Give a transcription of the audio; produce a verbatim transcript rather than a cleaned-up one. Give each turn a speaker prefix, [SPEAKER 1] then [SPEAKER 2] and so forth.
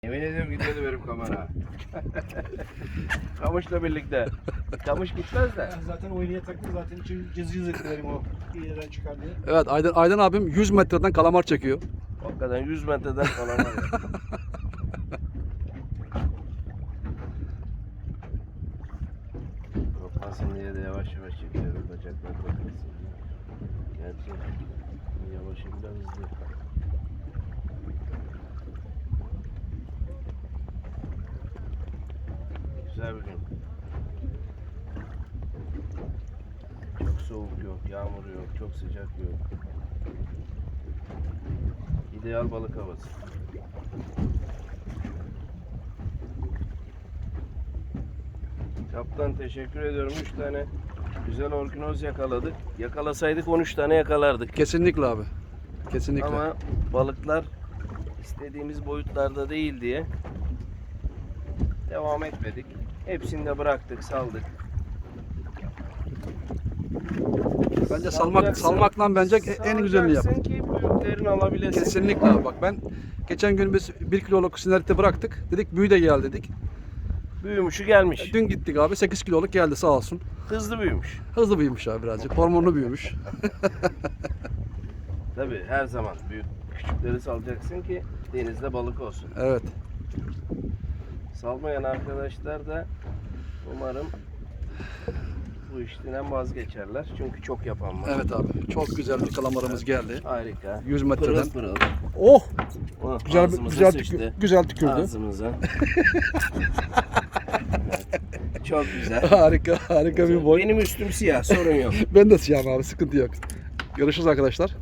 [SPEAKER 1] Yemin ediyorum gidiyordu benim kamera. Kamışla birlikte. Kamış gitmez de.
[SPEAKER 2] Zaten oynaya taktı zaten için cız cız etti benim o iğneden çıkar diye.
[SPEAKER 3] Evet, Aydın, Aydın abim yüz metreden kalamar çekiyor.
[SPEAKER 1] Hakikaten yüz metreden falan var ya. Kopmasın diye de yavaş yavaş çekiyorum. Bacaklar kopmasın. Gerçi yavaşım biraz hızlı. Güzel bir gün. Çok soğuk yok, yağmur yok, çok sıcak yok. İdeal balık havası. Kaptan teşekkür ediyorum. üç tane güzel orkinoz yakaladık. Yakalasaydık on üç tane yakalardık.
[SPEAKER 3] Kesinlikle abi. Kesinlikle.
[SPEAKER 1] Ama balıklar istediğimiz boyutlarda değil diye devam etmedik. Hepsini de bıraktık, saldık.
[SPEAKER 3] Bence salmak
[SPEAKER 1] Salacaksın,
[SPEAKER 3] salmakla bence en güzelini yap.
[SPEAKER 1] salacaksın ki büyüklerini alabilesin.
[SPEAKER 3] Kesinlikle abi. Bak ben geçen gün biz bir kiloluk sinerite bıraktık. Dedik büyü de gel dedik.
[SPEAKER 1] Büyümüşü gelmiş.
[SPEAKER 3] Dün gittik abi sekiz kiloluk geldi sağ olsun.
[SPEAKER 1] Hızlı büyümüş.
[SPEAKER 3] Hızlı büyümüş abi birazcık. Hormonlu büyümüş.
[SPEAKER 1] Tabii her zaman büyük küçükleri salacaksın ki denizde balık olsun.
[SPEAKER 3] Evet.
[SPEAKER 1] Salmayan arkadaşlar da umarım bu işten vazgeçerler. Çünkü çok yapan var.
[SPEAKER 3] Evet abi. Çok güzel bir kalamarımız geldi.
[SPEAKER 1] Harika.
[SPEAKER 3] yüz metreden.
[SPEAKER 1] Pırıl pırıl.
[SPEAKER 3] Oh!
[SPEAKER 1] Oh,
[SPEAKER 3] Güzel
[SPEAKER 1] ağzımıza
[SPEAKER 3] güzel
[SPEAKER 1] sıçtı.
[SPEAKER 3] tükür, güzel tükürdü.
[SPEAKER 1] Ağzımıza. Evet. Çok güzel.
[SPEAKER 3] Harika, harika bir boy.
[SPEAKER 1] Benim üstüm siyah, sorun yok.
[SPEAKER 3] Ben de siyahım abi, sıkıntı yok. Görüşürüz arkadaşlar.